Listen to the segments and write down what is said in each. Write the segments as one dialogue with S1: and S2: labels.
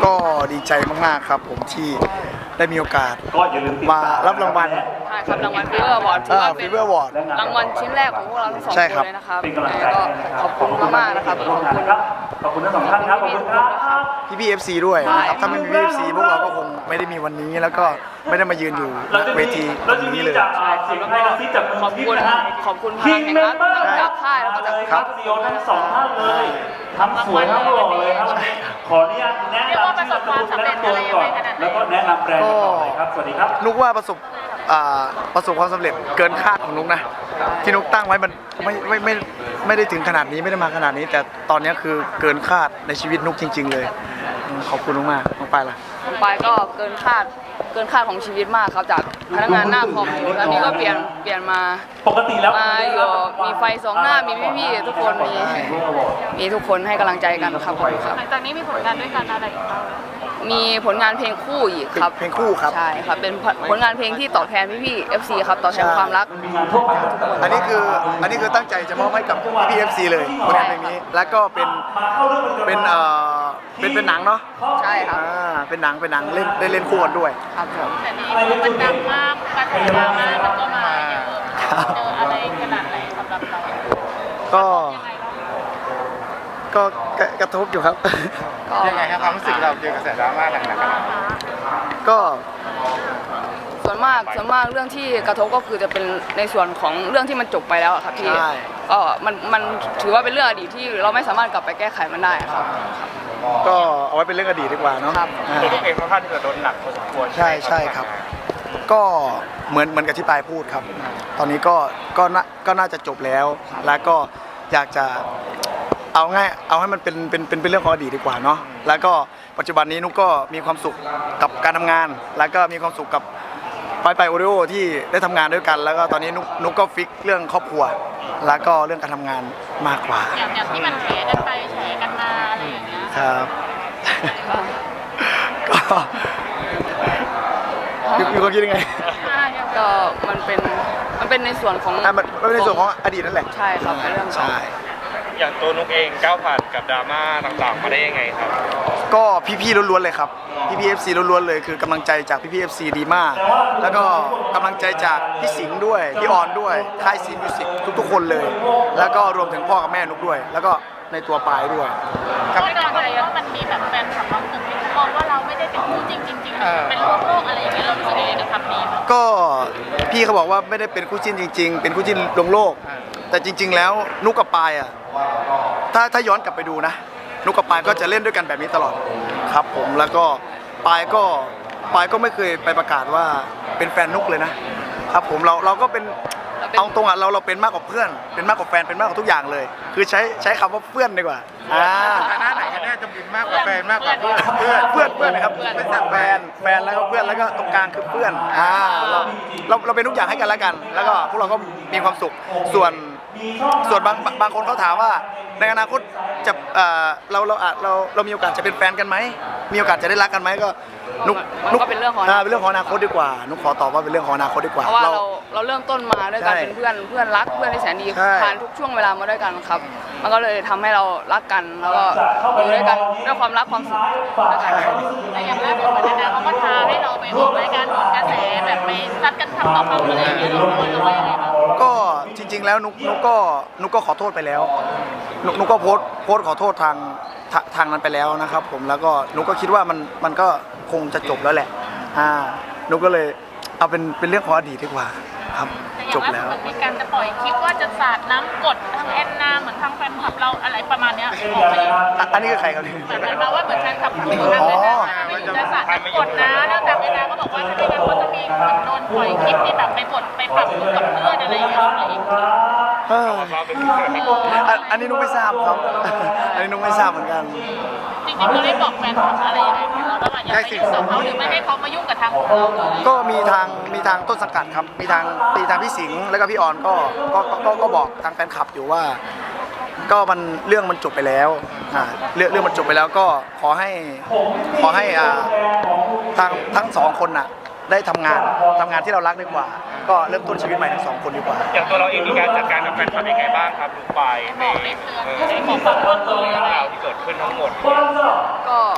S1: ก็ดีใจมากๆครับผมที่ได้มีโอกาสมารับรางวัล
S2: ใช่ครับรางวัลฟีเวอร์อวอร์ดถือว่าเป็น
S1: Fever Award
S2: รางวัลชิ้นแรกของพวกเราทั้งสอง
S1: ใช่
S2: ค
S1: ครับ
S2: นเลยนะครับแล้วก็ขอบคุณมากๆนะครับ
S3: ขอบคุณทั้งสองท่านครับขอบคุณครับ
S1: พี่ๆ FC ด้วยนะครับถ้าไม่มีพี่ FC พวกเราก็คงไม่ได้มีวันนี้แล้วก็ไม่ได้มายืนอยู่ณเวทีตรงนี้เลย
S2: ขอบคุณขอบคุณพลังแห่งรัฐทั้งจากค่ายแล้วก็จาก
S3: ครับซีโอทั้งสองท่านเลยทั้งสวยทั้งหล่อเลยครับวันนี้ขออนุญาตแนะนำชื่อนามสกุลและตัวก่อนแล้วก็แนะนำแบรนด์ต่อเลยครับสวัสดีครับ
S1: นุกว่าประสบความสำเร็จเกินคาดของนุกนะที่นุกตั้งไว้มันไม่ได้ถึงขนาดนี้ไม่ได้มาขนาดนี้ แต่ตอนนี้คือเกินคาดในชีวิตนุกจริงๆเลยขอบคุณมากๆน้องปายล่ะ
S2: น้องปายก็เกินคาดของชีวิตมากครับจากพนักงานหน้าคอมตอนนี้ก็เปลี่ยนมา
S3: ปกติแล้ว
S2: มาอยู่มีไฟสองหน้ามีพี่ๆทุกคนมีทุกคนให้กำลังใจกันครับ
S4: หลังจากนี้มีผลงานด้วยกันอะไรอีกบ้าง
S2: มีผลงานเพลงคู่อีกครับ
S1: เพลงคู่ครับ
S2: ใช่ครับเป็นผลงานเพลงที่ตอบแทนพี่ๆ FC ครับตอบแทนความรัก
S1: อันนี้คือตั้งใจจะมอบให้กับพี่ๆ FC เลยผลงานเพลงนี้แล้วก็เป็นหนังเนาะ
S2: ใช่ครับ
S1: เป็นหนังเล่นคู่กันด้วย
S2: ครับผม
S4: แต่นี้มันดังมากกระแสดราม่ามันก็มาเยอะเจออะไรขนาดไหนสำหรับเรา
S1: ก็กระทบอยู่ครับ
S5: ยังไงครับความรู้สึกเราเจอกระแสดราม่าหนักขนาดนี้
S1: ก็
S2: ส่วนมากเรื่องที่กระทบก็คือจะเป็นในส่วนของเรื่องที่มันจบไปแล้วครับพี่ก็มันถือว่าเป็นเรื่องอดีตที่เราไม่สามารถกลับไปแก้ไขมันได้ครับ
S1: ก็เอาไว้เป็นเรื่องอดีตดีกว่าเนาะ
S5: ตัวลูกเองค่อนข้างที่จะโดนหนักพอสมควร
S1: ใช่ครับก็เหมือนกับที่ปายพูดครับตอนนี้ก็น่าจะจบแล้วแล้วก็อยากจะเอาให้มันเป็นเรื่องของอดีตดีกว่าเนาะแล้วก็ปัจจุบันนี้นุกก็มีความสุขกับการทำงานแล้วก็มีความสุขกับไปโอริโอที่ได้ทำงานด้วยกันแล้วก็ตอนนี้นุกก็ฟิกเรื่องครอบครัวแล้วก็เรื่องการทำงานมากกว่า
S4: อย่างที่มันแฉกันไปแฉกันมาอะไรอย่างเงี้ย
S1: ครับก็มีความคิดยังไง
S2: ก็มันเป็นในส่วนของ
S1: มันเป็นในส่วนของอดีตนั่นแหละ
S2: ใช่ครับเป็นเรื่อง
S1: ใช่
S5: อย่างตัวนุกเองก้าวผ่านกับดราม่าต่างๆมาได้ยังไงครับ
S1: ก็พี่ๆล้วนๆเลยครับพี่ๆ FC ล้วนๆเลยคือกำลังใจจากพี่ๆ FC ดีมากแล้วก็กำลังใจจากพี่สิงห์ด้วยพี่ออนด้วยค่ายซีมิวสิกทุกๆคนเลยแล้วก็รวมถึงพ่อกับแม่นุกด้วยแล้วก็ในตัวปายด้วย
S4: ครับไม่ได้อะไรว่ามันมีแบบแฟนคลับบางกลุ่มที่มองว่าเราไม่ได้เป็นคู่จริงเป็นโลกอะไรอย่างเงี้ยเรารู้สึกยังไงกับคำนี้
S1: ก็พี่เขาบอกว่าไม่ได้เป็นคู่จิ้นจริงๆเป็นคู่จิ้นลวงโลกแต่จริงๆแล้วนุกกับปายอ่ะถ้าย้อนกลับไปดูนะนุกกับปายก็จะเล่นด้วยกันแบบนี้ตลอดครับผมแล้วก็ปายก็ไม่เคยไปประกาศว่าเป็นแฟนนุกเลยนะครับผมเราก็เป็นเอาตรงอ่ะเราเป็นมากกว่าเพื่อนเป็นมากกว่าแฟนเป็นมากกว่าทุกอย่างเลยคือใช้คำว่าเพื่อนดีกว่า
S5: ฐานะไหนกันแน่จะเป็นมากกว่าแฟนมากกว่าเพื่อน
S1: นะครับเป็นแฟนแล้วก็เพื่อนแล้วก็ตรงกลางคือเพื่อนเราเป็นทุกอย่างให้กันแล้วกันแล้วก็พวกเราก็มีความสุขส่วนบางคนเขาถามว่าในอนาคตจะเรามีโอกาสจะเป็นแฟนกันไหมมีโอกาสจะได้รักกันไหมก็นุก
S2: เป็นเรื่องของ
S1: อนาคตดีกว่านุกขอตอบว่าเป็นเรื่องของอนาคตดีกว่า
S2: เพราะว่าเราเริ่มต้นมาด้วยกันเป็นเพื่อนรักเพื่อนที่แสนดีผ่านทุกช่วงเวลามาด้วยกันครับมันก็เลยทำให้เรารักกันแล้วก็อยู่ด้วยกันด้วยความรักความสุข
S4: แต่อย่างล่าสุดเหมือนนะเขาก็ท้าให้เราไปออกรายการผลกระแสแบบไปซัดกันทำต่อคำอะไรอย่างเงี้ยเราว่ายังไงบ้าง
S1: ก็จริงๆแล้วนุกก็ขอโทษไปแล้วนุกก็โพสต์ขอโทษทางนั้นไปแล้วนะครับผมแล้วก็นุกก็คิดว่ามันก็คงจะจบแล้วแหละนุกก็เลยเอาเป็นเรื่องของอดีตดีกว่าครับจบแล้ว
S4: มีการจะปล่อยคลิปว่าจะสาดน้ำกดทางแอนนาเหมือนทางแฟนคลับเราอะไรประมาณนี้
S1: อันนี้คือใครครับ
S4: เหมือนมาว่าเหมือนแฟนคลับของทางแอนนาจะสาดน้ำกดนะแล้วทางแอนนาก็บอกว่าถ้าไม่งั้นเขาจะมีเหมือนโดนปล่อยคลิปที่แบบไปปรับกับเพื่อนอะไรอย่างเงี้ย
S1: อันนี้นุ๊กไม่ทราบครับอันนี้นุ๊กไม่ทราบเหมือนกัน
S4: จริงๆเราได้บอกแฟนคลับอะไรยังไงเราว่าอย่าไปยุ่งกับเขาหรือไม่ให้เขามายุ่งกับทางของเราเลย
S1: ก็มีทางต้นสังกัดครับมีทางพี่สิงห์แล้วก็พี่ออนก็บอกทางแฟนคลับอยู่ว่าก็เรื่องมันจบไปแล้วเรื่องมันจบไปแล้วก็ขอให้ทั้งสองคนน่ะได้ทำงานที่เรารักดีกว่าก็เริ่มต้นชีวิตใหม่ทั้งสองคนดีกว่า
S5: อย่างตัวเราเองมีการจัดการกับแฟนคลับยังไงบ้างครับลูกปายในของความเรื่องราวที่เกิดขึ้นทั้งหมด
S2: ก็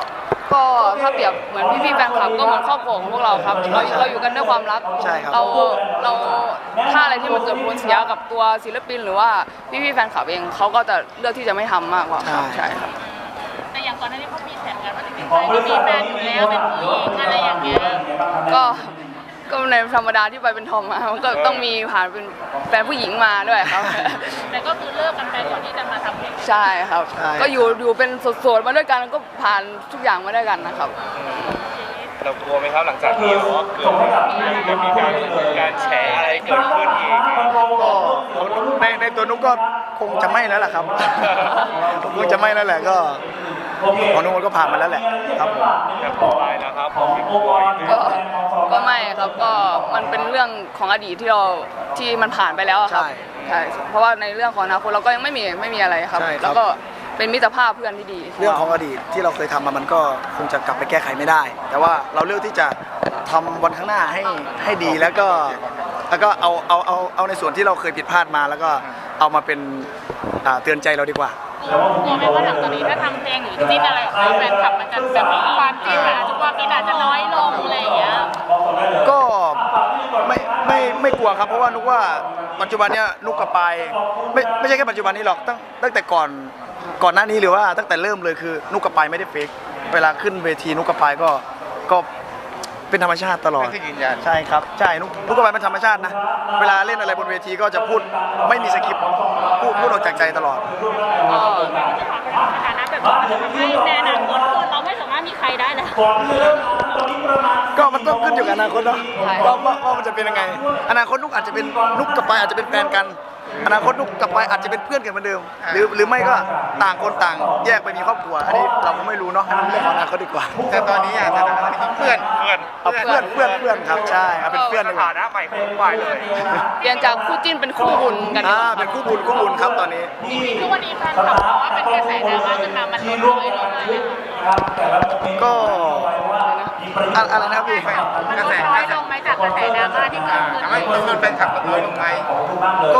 S2: ก็ถ้าเปรียบเหมือนพี่ๆแฟนคลับก็เหมือนครอบครัวของพวกเราครับเราอยู่กันด้วยความรัก
S1: ใช่ครับ
S2: เราถ้าอะไรที่มันเกิดผลเสียกับตัวศิลปินหรือว่าพี่ๆแฟนคลับเองเขาก็จะเลือกที่จะไม่ทำมากกว่าครับใช่ครับ
S4: แต่อย่างก่อนหน้านี้เขามีแผนกันว่าจริงๆเคยมีแฟนอยู่แล้วเป็นผู้หญิงอะไรอย่างเงี้ย
S2: ก็ในธรรมดาที่ไปเป็นทอมมามันก็ต้องมีผ่านเป็นแฟนผู้หญิงมาด้วยครับ
S4: แต่ก็คือเลิกกันไปก่อนที่จะมาทำเพลง
S2: ใช่ครับ
S1: ใช่
S2: ก็อยู่เป็นโสดๆมาด้วยกันก็ผ่านทุกอย่างมาด้วยกันนะครับ
S5: เรากลัวไหมครับหลังจากที่เกิดจะมีการแฉอะไรเกิดขึ้นอีก
S1: ก็ในตัวนุกก็คงจะไม่แล้วแหละครับ คงจะไม่แล้วแหละก็ของนุกมันก็ผ่านมาแล้วแหละครับผม
S5: แต่ต่อไปนะครับผมมีกลัวอยู่
S2: ก็ไม่ครับก็มันเป็นเรื่องของอดีตที่มันผ่านไปแล้วอะครับใช่เพราะว่าในเรื่องของอนาคตเราก็ยังไม่มีอะไรครับ แล้วก็เป็นมิตรภาพเพื่อนที่ดี
S1: เรื่องของอดีตที่เราเคยทำมามันก็คงจะกลับไปแก้ไขไม่ได้ แต่ว่าเราเลือกที่จะทำวันข้างหน้าให้ดีแล้วก็เอาในส่วนที่เราเคยผิดพลาดมา แล้วก็เอามาเป็นเตือนใจเราดีกว่า
S4: กลัวไหมว่าหลังจากนี้ถ้าทำเพลงหรือจิ้นอะไรออกไปแฟนคลับมันจะแบบความจิ้นอาจจะความจิ้นอาจจะน้อยลงอะไรอย่างเงี้ย
S1: ก็ไม่กลัวครับเพราะว่านุกว่าปัจจุบันเนี้ยนุกกับปายไม่ใช่แค่ปัจจุบันนี้หรอกตั้งแต่ก่อนหน้านี้หรือว่าตั้งแต่เริ่มเลยคือนุกกับปายไม่ได้เฟกเวลาขึ้นเวทีนุกกับปายก็เป็นธรรมชาติตลอดใช่ครับใช่นุกกับปายเป็นธรรมชาตินะเวลาเล่นอะไรบนเวทีก็จะพูดไม่มีสคริปต์พูดออกจากใจตลอด
S4: สถานะแบบนี้มันจะทำให้ในอนาคตคือเราไม่สามารถมีใครได้แล้ว
S1: ก็มันต้องขึ้นอยู่กับอนาคตเนาะว่ามันจะเป็นยังไงอนาคตนุกอาจจะเป็นนุกกับปายอาจจะเป็นแฟนกันอนาคตนุกกับปายอาจจะเป็นเพื่อนกันเหมือนเดิมหรือไม่ก็ต่างคนต่างแยกไปมีครอบครัวอันนี้เราก็ไม่รู้เนาะเรื่องของอนาคตดีกว่าแต่ตอนนี้สถานะเพื่อนครับใช่เอาเป็นเพื่อนดีกว่า
S5: ฐานะใหม่ของฝ่ายเลย
S2: เปลี่ยนจากคู่จิ้นเป็นคู่บุญกันดีกว่า
S1: เป็นคู่บุญครับตอนนี้
S4: ทุกวันนี้แฟนคลับบอกว่าเป็นกระแสดราม่าขึ้นมามันลดน้อยลงเลย
S1: ก็อะไรนะครับพี่
S4: มันลดน้อยลงไหมจากกระแสดราม่าที่เกิดขึ้น
S6: ทำให้จำนวนแฟนคลับลดน้อยลงไหม
S1: ก็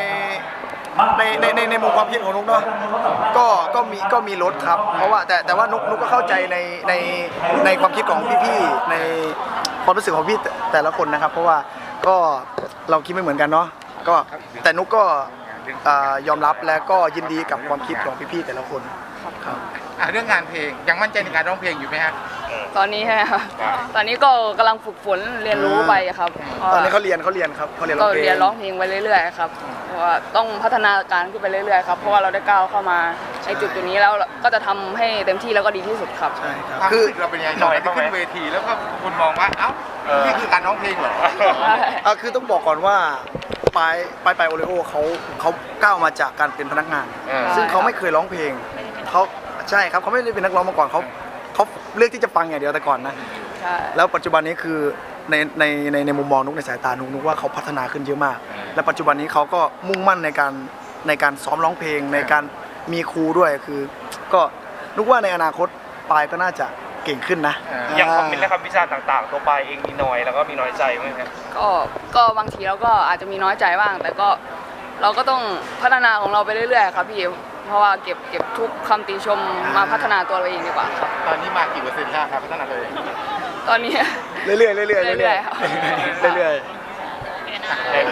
S1: ในมุมความคิดของนุกเนาะก็มีลดครับเพราะว่าแต่ว่านุกก็เข้าใจในความคิดของพี่ๆในความรู้สึกของพี่แต่ละคนนะครับ เพราะว่าก็เราคิดไม่เหมือนกันเนาะก็แต่นุกก็ยอมรับและก็ยินดีกับความคิดของพี่ๆแต่ละคนครับ
S6: เรื่องงานเพลงยังมั่นใจในการร้องเพลงอยู่ไหมฮะ
S2: ตอนนี้ใช่ไหมครับตอนนี้ก็กำลังฝึกฝนเรียนรู้ไปครับ
S1: ตอนนี้เขาเรียนครับเขาเรียนร้
S2: ก็
S1: องเพลง
S2: เรียนร้องเพลงไปเรื่อยๆครับเพราะว่าต้องพัฒนาการขึ้นไปเรื่อยๆครับเพราะว่าเราได้ก้าวเข้ามาในจุดนี้แล้วก็จะทำให้เต็มที่แล้วก็ดีที่สุดครับ
S1: ใช่ครับ
S6: ความ
S1: คือ
S6: รู้สึกเราเป็นยังไงตอนที่ขึ้นเวทีแล้วก็คุณมองว่าเอ้านี่คือการร้องเพลงเหรอ
S1: คือต้องบอกก่อนว่าปายโอริโอเขาก้าวมาจากการเป็นพนักงาน ซึ่งเขาไม่เคยร้องเพลงเขาใช่ครับเขาไม่ได้เป็นนักร้องมาก่อนเขาเลือกที่จะฟังอย่างเดียวแต่ก่อนนะ
S2: ใช่
S1: แล้วปัจจุบันนี้คือในมุมมองนุกในสายตานุกว่าเขาพัฒนาขึ้นเยอะมาก และปัจจุบันนี้เขาก็มุ่งมั่นในการซ้อมร้องเพลงในการมีครูด้วยคือ ก็นุกว่าในอนาคตปายก็น่าจะเก่งขึ้นนะ
S5: อย่างคอมเมนต์และคำวิจารณ์ต่างๆ ตัวไปเองมีน้อยแล้วก็มีน้อยใจไหมครับ
S2: ก็บางทีเราก็อาจจะมีน้อยใจบ้าง แต่ก็เราก็ต้องพัฒนาของเราไปเรื่อยๆครับพี่เพราะว่าเก็บทุกคำติชมมาพัฒนาตัวเราเองดีกว่าครับ
S6: ตอนนี้มากี่เปอร์เซ็นต์แล้วครับพัฒนาเลย
S2: ตอนนี้
S1: เรื่อยๆ
S2: เรื่อยๆครับ
S1: เรื่อยๆ
S4: โอเคนะ